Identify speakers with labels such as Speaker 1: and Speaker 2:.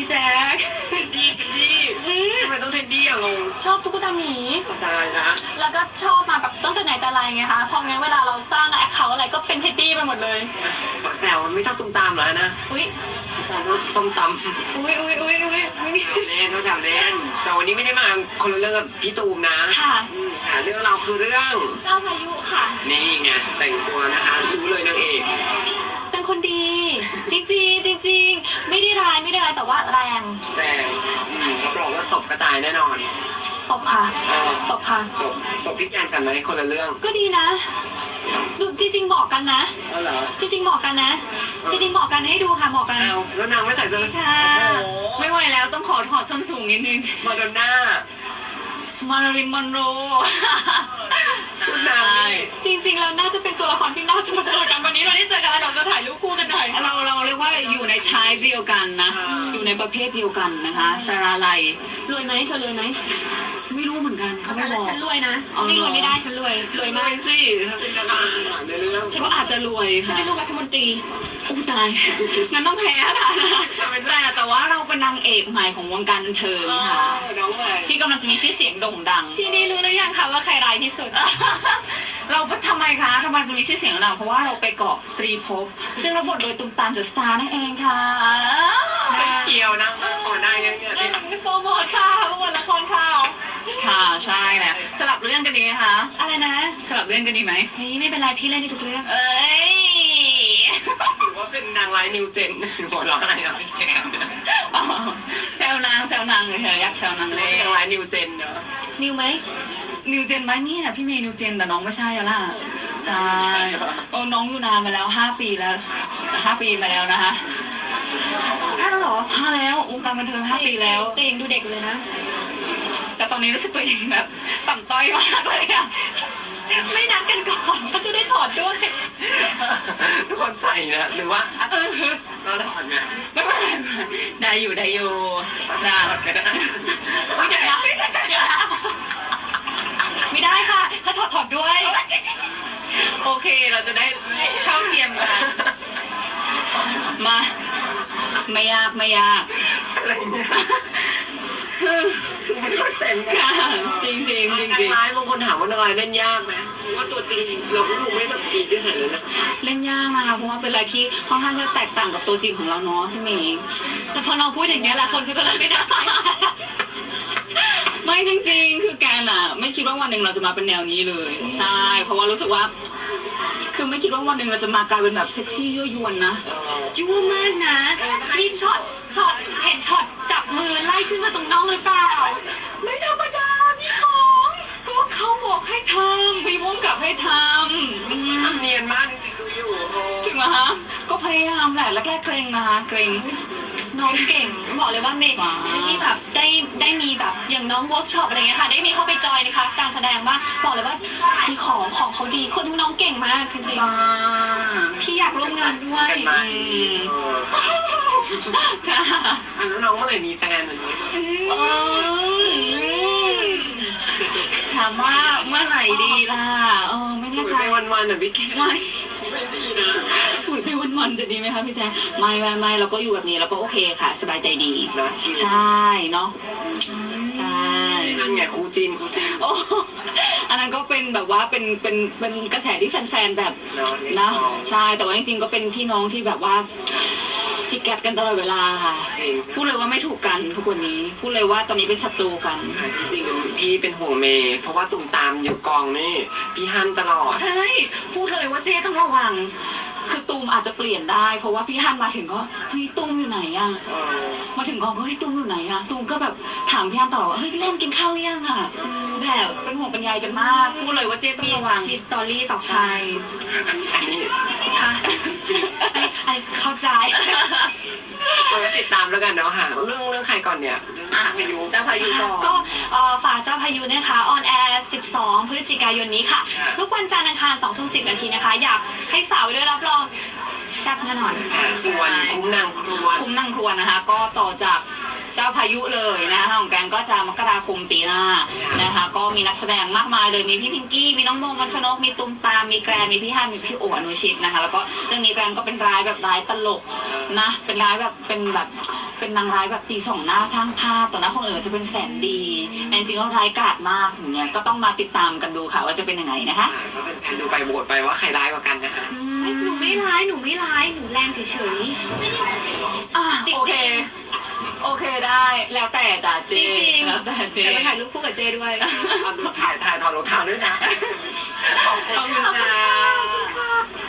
Speaker 1: แจ๊ค
Speaker 2: เท็ดดี้ทำไมต้องเท็ดดี้อะงง
Speaker 1: ชอบตุ๊กตาหมี
Speaker 2: ตายนะ
Speaker 1: แล้วก็ชอบมาแบบตั้งแต่ไหนแต่ไรไงคะพองั้นเวลาเราสร้างแอคเคาท์อะไรก็เป็นเท็ดดี้ไปหมดเลย
Speaker 2: ขอแซวไม่ชอบตุ้มตามเหรอนะ
Speaker 1: อุ้ย
Speaker 2: แต่ก็ส้มตำ
Speaker 1: อุ้ยเ
Speaker 2: ล่นก็จำเล่นแต่วันนี้ไม่ได้มาคนละเรื่องกับพี่ตูมนะ
Speaker 1: ค่ะ
Speaker 2: เรื่องเราคือเรื่อง
Speaker 1: เจ้าพายุค่ะ
Speaker 2: นี่ไงแต่งตัวนะคะรู้เลยนางเอก
Speaker 1: เป็นคนดีจริงไม่ได้ร้ายแต่ว่าแรง
Speaker 2: รับรองว่าตบกระจายแน่นอน
Speaker 1: ตบค่ะ
Speaker 2: ตบพี่แกนกันไหมคนละเรื่อง
Speaker 1: ก็ดีนะดูจริงๆบอกกันนะจริงๆบอกกันนะจริงๆบอกกันให้ดูค่ะบอกกัน
Speaker 2: แล้วนางไม่ใส่เสื้อ
Speaker 1: ค่ะไม่ไหวแล้วต้องขอถอดส้นสูงนิดนึง
Speaker 2: มาโดน่า
Speaker 1: มาริมอนโร
Speaker 2: ชุดนาง
Speaker 1: จริงๆแล้วน่าจะเป็นตัวละครที่น่าจะมาเจอกันวันนี้เราได้เจอกันแล้วเราจะถ่ายรูปคู่กันหน่อย
Speaker 3: เราเรียกว่าอยู่ในชายเดียวกันนะอยู่ในประเภทเดียวกันนะคะสราไล
Speaker 1: รวยไหมเธอรวยไหม
Speaker 3: ไม่รู้เหมือนกันเขาไม่บอก
Speaker 1: ฉันรวยนะไม่รวยไม่ได้ฉันรวยมาก
Speaker 2: สิถ้าเป็นดาราในเรื่อง
Speaker 3: ฉันก็อาจจะรวย
Speaker 1: ค่ะฉันเป็นลูกรัฐมนตรี
Speaker 3: อู้ตายงั้นต้องแพ้ค่ะแต่ว่าเราเป็นนางเอกใหม่ของวงการบันเทิงค่ะที่กำลังจะมีชื่อเสียงโด่งดัง
Speaker 1: ทีนี้รู้หรือยังคะว่าใครร้ายที่สุด
Speaker 3: เราทำไมคะทำไมจะมีชื่อเสียงดังเพราะว่าเราไปเกาะตรีภพซึ่งรับบทโดยตุ้มตามเดอะสตาร์นั่นเองค่ะ
Speaker 2: ไม่เกี่ยวนะก่อนหน้านี้
Speaker 1: โปรโมทค่ะโปรโมทละครค่ะ
Speaker 3: ค่ะใช่แหละสลับเรื่องกันดีไหมคะ
Speaker 1: อะไรนะ
Speaker 3: สลับเรื่องกันดีไหม
Speaker 1: ไม่เป็นไรพี่เล่นได้ทุกเรื่อง
Speaker 2: หรือว่าเป็นนางร้ายนิวเจนหัวเราะอะไรนะพี่แกม
Speaker 3: แซวนางเลยเธอยักษ์แซวนางเลย
Speaker 2: นางร้ายนิวเจนเนาะ
Speaker 1: นิวไหม
Speaker 3: นิวเจนไหมนี่พี่เมย์นิวเจนแต่น้องไม่ใช่แล้วล่ะใช่น้องอยู่นานมาแล้ว5 ปีแล้ว5 ปีมาแล้วนะคะ
Speaker 1: 5แล้วเหรอ
Speaker 3: 5แล้ววงการบันเทิง5 ปีแล้ว
Speaker 1: แต่ยังดูเด็กอยู่เลยนะ
Speaker 3: แต่ตอนนี้รู้สึกตัวเองแบบต่ำต้อยมากเลยอะ
Speaker 1: ไม่นัดกันก่อนเขาจะได้ถอดด้วย
Speaker 2: ทุกคนใส่นะหรือว่าเราถอดไง
Speaker 3: ไม่ได้อยู่จ้า
Speaker 1: ไม่เดี๋ยวนะไม่ได้ค่ะถ้าถอดด้วย
Speaker 3: โอเคเราจะได้เท่าเทียมกันมาไม่ยาก
Speaker 2: อะไรเนี่ยไม่ค่อยเป็น
Speaker 3: ค่ะจริง
Speaker 2: ร้ายบางคนถามว่านางร้ายเล่นยากไหมว่าตัวจริงเราก็คงไม่แบบกรีดด้วยเลยนะ
Speaker 3: เล่นยากนะคะเพราะว่าเป็นอะไรที่ค่อนข้างจะแตกต่างกับตัวจริงของเราเนาะพี่เมย์
Speaker 1: แต่พอเราพูดอย่างนี้แหละคนก็จะรับไม่ได้
Speaker 3: ไม่จริงๆคือแกน่ะไม่คิดว่าวันหนึ่งเราจะมาเป็นแนวนี้เลยใช่เพราะว่ารู้สึกว่าคือไม่คิดว่าวันหนึ่งเราจะมากลายเป็นแบบเซ็กซี่ยั่วยวนนะ
Speaker 1: ยั่วมากนะมีช็อตเห็นช็อตจับมือไล่ขึ้นมาตรงน้องหรือเปล่า
Speaker 3: ไม่ธรรมดามีของก็เขาบอกให้ทำพี่มุ่งกับให้ท
Speaker 2: ำเนียนมากจริงๆดูอยู่
Speaker 3: ถึงไหมคะก็พยายามแหละแล้วแก้เกรงนะคะเกรง
Speaker 1: น้องเก่งบอกเลยว่าเมย์ที่แบบได้มีแบบอย่างน้องเวิร์กช็อปอะไรเงี้ยค่ะได้มีเข้าไปจอยในคลาสการแสดงว่าบอกเลยว่ามีของเขาดีคนน้องเก่งมากจริงๆพี่อยากร่วมงานด้วย
Speaker 2: ค่ะแล้วน้องเมื่อไหร่มีแฟนเหมือนกัน
Speaker 3: ถามว่าเมื่อไหร่ดีล่ะไม่แน่ใจ
Speaker 2: วันๆน่ะพี่แกไม่ดีนะ
Speaker 3: สวยไปวันๆจะดีไหมคะพี่แจ๊คไม่เราก็อยู่แบบนี้เราก็โอเคค่ะสบายใจดีใช่เนาะใช่
Speaker 2: นั่นไงครูจีน
Speaker 3: โอ้อันนั้นก็เป็นแบบว่าเป็นกระแสที่แฟนๆแบบนะใช่แต่ว่าจริงๆก็เป็นพี่น้องที่แบบว่าจิกกัดกันตลอดเวลาค่ะพูดเลยว่าไม่ถูกกันทุกวันนี้พูดเลยว่าตอนนี้เป็นศัตรูกัน
Speaker 2: จริงๆพี่เป็นห่วงเมย์เพราะว่าตุ่มตามอยู่กองนี่พี่ฮันตลอด
Speaker 3: ใช่พูดเลยว่าเจ๊ต้องระวังคือตูมอาจจะเปลี่ยนได้เพราะว่าพี่ฮันมาถึงก็เฮ้ยตูมอยู่ไหนอะมาถึงกองก็เฮ้ยตูมอยู่ไหนอะตูมก็แบบถามพี่ฮันตลอดว่าเฮ้ยพี่เล่นกินข้าวหรือยังอะแบบเป็นห่วงเป็นใยกันมากพูดเลยว่าเจ๊ต้องระวัง
Speaker 1: มีสตอรี่ต่อ
Speaker 3: ใช่
Speaker 2: อันนี้
Speaker 1: ค่ะอันนี้เข้าใจ
Speaker 2: ติดตามแล้วกันเนาะค่ะเรื่องใครก่อนเนี่ย
Speaker 3: เจ้าพายุก่อน
Speaker 1: ก็ฝากเจ้าพายุนะคะออนแอร์12 พฤศจิกายนนี้ค่ะทุกวันจันทร์อังคาร 20:10 นาทีนะคะอยากให้ฝากไว้ด้วยรับรองแซ่บแน่นอน
Speaker 2: ส่วนคุ้มนางค
Speaker 3: รัวนะคะก็ต่อจากเจ้าพายุเลยนะคะของแกงก็จะมกราคมปีหน้านะคะก็มีนักแสดงมากมายเลยมีพี่พิงกี้มีน้องโมมัชนกมีตุ้มตามมีแกรนมีพี่ฮันมีพี่โออนุชิตนะคะแล้วก็เรื่องนี้แกรนก็เป็นร้ายแบบร้ายตลกนะเป็นร้ายแบบเป็นแบบเป็นนางร้ายแบบตีสองหน้าสร้างภาพต่อหน้าคนอื่นจะเป็นแสนดีแต่จริงๆแล้วร้ายกาจมากอย่างเงี้ยก็ต้องมาติดตามกันดูค่ะว่าจะเป็นยังไงนะคะ
Speaker 2: ก็เป็นแฟนดูไปโหวตไปว่าใครร้ายกว่ากันนะคะ
Speaker 1: เฮ้ยหนูไม่ร้ายหนูแรงเฉย
Speaker 3: อ่ะ
Speaker 1: จริงๆ
Speaker 3: โอเค โอเคได้แล้วแต่จ้ะ
Speaker 1: ๆ
Speaker 3: เจ
Speaker 1: จริง
Speaker 3: แล้วแต่
Speaker 1: ๆ
Speaker 3: เจ
Speaker 1: แต่มาถ่ายรูปคู่กับเจด้วย
Speaker 2: เอาดูถ่ายถอดรองเท้าด้วยนะ ขอบคุณ
Speaker 3: ขอบคุณค่ะ